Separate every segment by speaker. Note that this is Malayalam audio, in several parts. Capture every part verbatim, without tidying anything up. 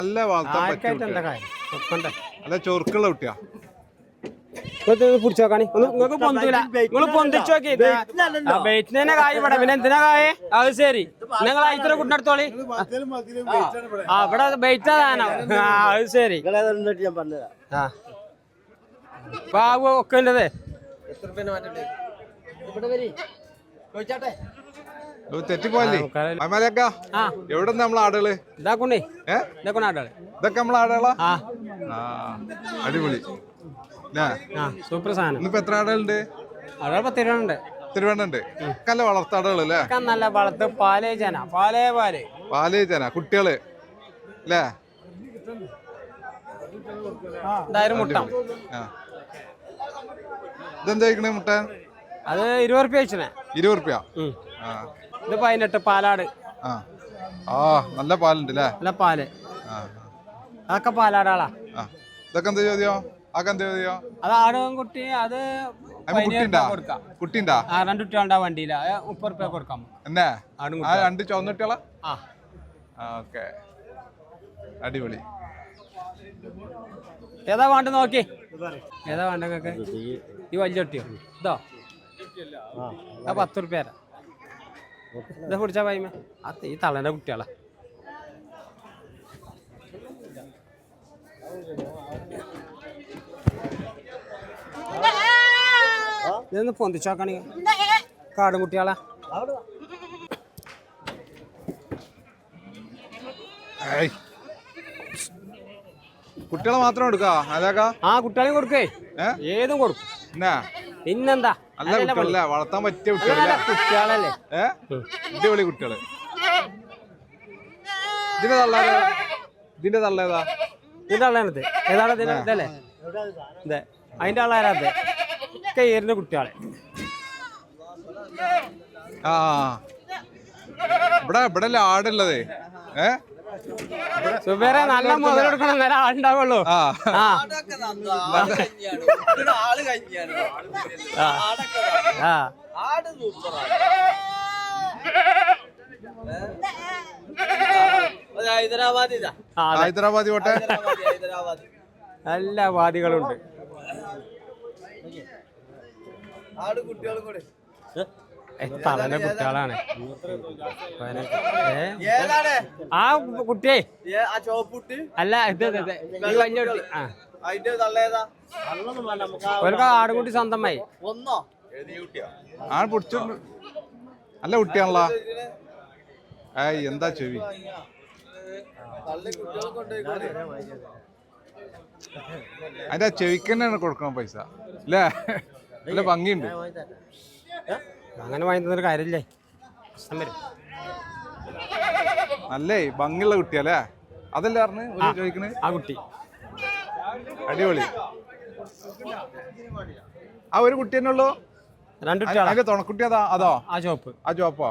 Speaker 1: നല്ല വളർത്താൻ നല്ല ചൊറുക്കുള്ള കുട്ടിയാ.
Speaker 2: പിടിച്ചു നോക്കാണി നിങ്ങൾക്ക് പൊന്തൂല നിങ്ങൾ പൊന്തിച്ചു നോക്കി ബെയ്റ്റിനെ കായ് ഇവിടെ പിന്നെ എന്തിനാ കായ അത് ശരി നിങ്ങൾ ഇത്ര കുട്ടിനടുത്തോളി ആ ഇവിടെ ബെയ്റ്റാ സാധനം ആ അത് ശരി ആ ബാബു ഒക്കെ ഉണ്ടതേ
Speaker 1: തെറ്റിപ്പോയല്ലേ എവിടെ നമ്മളെ ആടുകള്
Speaker 2: ഇതാക്കൊണ്ടേ ഇതാക്കൊണ്ട ആടുകള്
Speaker 1: ഇതൊക്കെ നമ്മളെ ആടുകളാ അടിപൊളി
Speaker 2: സൂപ്പർ സാധനം.
Speaker 1: ഇന്നിപ്പോ എത്ര ആടുകളുണ്ട്?
Speaker 2: ആടുകൾ പത്ത് ഇരുപതുണ്ട്.
Speaker 1: തിരുവണ്ണുണ്ട് നല്ല വളർത്താടുകളല്ലേ?
Speaker 2: നല്ല വളർത്ത് പാലേ ചേന പാലേ പാല്
Speaker 1: പാലേ ചേന കുട്ടികള് അല്ലേ?
Speaker 2: മുട്ട
Speaker 1: ഇതെന്താ കഴിക്കണേ മുട്ട?
Speaker 2: അത് ഇരുപത് റുപ്യ വെച്ചേ.
Speaker 1: ഇരുപത് റുപ്യ.
Speaker 2: ഇത് പതിനെട്ട് പാലാട്.
Speaker 1: ആ നല്ല പാലുണ്ട് അല്ലേ? നല്ല
Speaker 2: പാല്. അതൊക്കെ പാലാടാളാ.
Speaker 1: ഇതൊക്കെ എന്താ ചോദ്യം? അതൊക്കെ എന്താ ചോദ്യം?
Speaker 2: അത് ആടും കുട്ടി അത്
Speaker 1: കുട്ടിണ്ടാ
Speaker 2: രണ്ട് കുട്ടികളുണ്ടാ വണ്ടിയില മുപ്പത് റുപ്യ കൊടുക്കാം.
Speaker 1: എന്നാ രണ്ട് ചുവന്ന കുട്ടികളാ? ഓക്കെ അടിപൊളി.
Speaker 2: ഏതാ വേണ്ട നോക്കി ഏതാ വേണ്ട നിങ്ങൾക്ക്? ഈ വലിയ കുട്ടിയോ ഇതോ? ആ പത്ത് റുപ്യ തരാം. ഇതാ പിടിച്ചാ പൈമ അത് ഈ തളന്റെ കുട്ടികളാ. ഇതൊന്ന് പൊന്തിച്ചോക്കണി കാടും കുട്ടികളാ.
Speaker 1: കുട്ടികളെ മാത്രം എടുക്കാ?
Speaker 2: ആ കുട്ടികളെയും കൊടുക്കേ ഏതും കൊടുക്കും. പിന്നെന്താ
Speaker 1: വളർത്താൻ പറ്റിയ
Speaker 2: കുട്ടികളല്ലേ?
Speaker 1: അടിപൊളി കുട്ടികള്. ഇതിന്റെ തള്ളേതാ? ഇതിന്റെ തള്ളേതാ?
Speaker 2: ഇതിന്റെ തള്ളേനത് ഏതാണ്? ഇതല്ലേ ഇതെ അതിന്റെ ആളാരാത് ഒക്കെ ഏറിന്റെ കുട്ടികളെ.
Speaker 1: ആ ഇവിടെ ഇവിടെ ആടുള്ളതേ. ഏ
Speaker 2: സുബേറെ നല്ല മുതലെടുക്കണം നേരെ ആളുണ്ടാവുള്ളൂ.
Speaker 1: ഹൈദരാബാദി കോട്ടെ
Speaker 2: എല്ലാ വാദികളുണ്ട്. തളന്റെ കുട്ടികളാണ്. ആ കുട്ടിയെ അല്ല ഇത് വലിയ കുട്ടി. ഒരു ആടുകുട്ടി സ്വന്തമായി
Speaker 1: ആണ് പിടിച്ചു. നല്ല കുട്ടിയാണല്ലോ. ഏയ് എന്താ ചെവി? അതിന്റെ ചെവിക്ക് തന്നെയാണ് കൊടുക്കണം പൈസ അല്ലേ? നല്ല ഭംഗിയുണ്ട്.
Speaker 2: അങ്ങനെ വാങ്ങി തന്നൊരു കാര്യമില്ലേ?
Speaker 1: നല്ലേ ഭംഗിയുള്ള കുട്ടിയല്ലേ? അതല്ലേ പറഞ്ഞ് ചോദിക്കണേ?
Speaker 2: ആ കുട്ടി
Speaker 1: അടിപൊളി. ആ ഒരു കുട്ടി തന്നെ ഉള്ളൂ?
Speaker 2: രണ്ട്
Speaker 1: അതിന്റെ തുണക്കുട്ടി അതാ? അതോ
Speaker 2: ആ ചോപ്പ്?
Speaker 1: ആ ചോപ്പോ?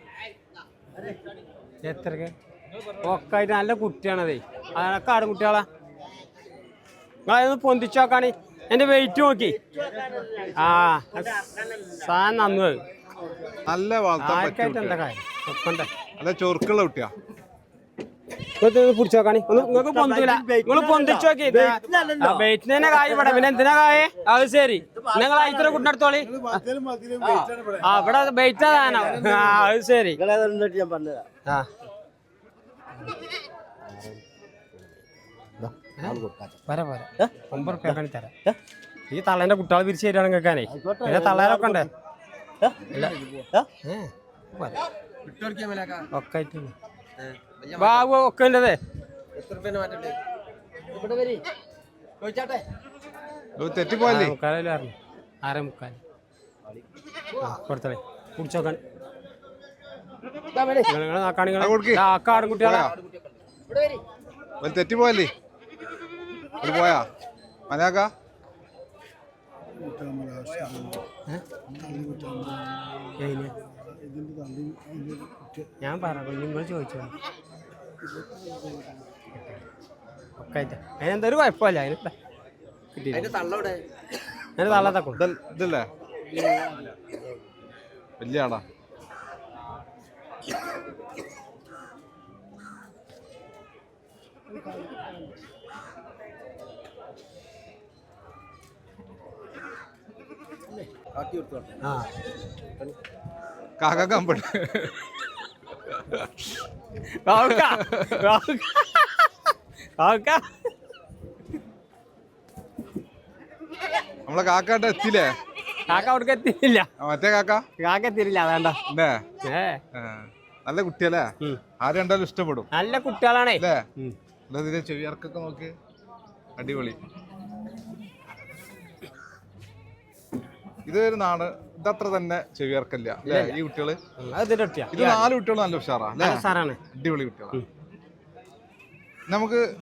Speaker 2: എത്രക്ക് ഒക്കെ ആയിട്ട് നല്ല കുട്ടിയാണതേ. അതൊക്കെ ആടും കുട്ടികളാ. നിങ്ങളതൊന്ന് പൊന്തിച്ചു നോക്കാണ്. എന്റെ വെയിറ്റ് നോക്കി. ആ സാധനം നന്നു.
Speaker 1: നല്ല വളർത്താൻ
Speaker 2: എന്താ കാര്യം?
Speaker 1: നല്ല ചൊറുക്കുള്ള കുട്ടിയാ.
Speaker 2: പിടിച്ചു നോക്കാണി നിങ്ങൾക്ക് പൊന്തൂല നിങ്ങൾ പൊന്തിച്ചു നോക്കി ബെയ്റ്റിനെ കായ് ഇവിടെ പിന്നെ എന്തിനാ കായ അത് ശരി നിങ്ങൾ ഇത്ര കുട്ടിനടുത്തോളി ആ ഇവിടെ ബെയ്റ്റാ സാധനം ആ അത് ശരി ആ പോരാ പോരാ ഒമ്പത് റുപ്യ കണി തരാം. ഈ തള്ളേന്റെ കുട്ടികളെ പിരിച്ചു തരികയാണ് കേൾക്കാനേ. പിന്നെ തള്ളേരൊക്കെ ഉണ്ട് ഒക്കെ ആയിട്ട് ബാബു ഒക്കെ ഉണ്ടതേ.
Speaker 1: തെറ്റിപ്പോയല്ലേ?
Speaker 2: മുക്കാലല്ലേ പറഞ്ഞു ആറേ മുക്കാൽ കൊടുത്തേ കുടിച്ചോക്കാൻ ആക്കാടും കുട്ടികളാ.
Speaker 1: തെറ്റിപ്പോയല്ലേ? പോയാ മനാക്ക
Speaker 2: ഞാൻ പറഞ്ഞു നിങ്ങൾ ചോദിച്ചോ ഒക്കെ ആയിട്ട് അതിനെന്തൊരു കുഴപ്പമില്ല. അതിന് കിട്ടിയില്ല തള്ളത്തക്കും
Speaker 1: ഇതല്ലേ വലിയ ആടാ. കാക്ക കമ്പട്ട്
Speaker 2: കാക്ക കാക്ക
Speaker 1: നമ്മളെ കാക്കാട്ട് എത്തിയില്ലേ?
Speaker 2: കാക്ക അവിടേക്ക് എത്തിയില്ല.
Speaker 1: മറ്റേ കാക്ക
Speaker 2: കാക്ക എത്തിയില്ല. വേണ്ട.
Speaker 1: അല്ലേ? നല്ല കുട്ടിയല്ലേ? ആരും കണ്ടാലും ഇഷ്ടപ്പെടും.
Speaker 2: നല്ല കുട്ടികളാണേ.
Speaker 1: അല്ലേ? ഇതിന്റെ ചെവിയർക്കൊക്കെ നോക്കി അടിപൊളി. ഇത് ഒരു നാട് ഇതത്ര തന്നെ ചെവിയർക്കല്ല അല്ലേ? ഈ കുട്ടികള് ഇത് നാല് കുട്ടികൾ നല്ല ഉഷാറാ അല്ലേ? അടിപൊളി കുട്ടികളാണ്. നമുക്ക്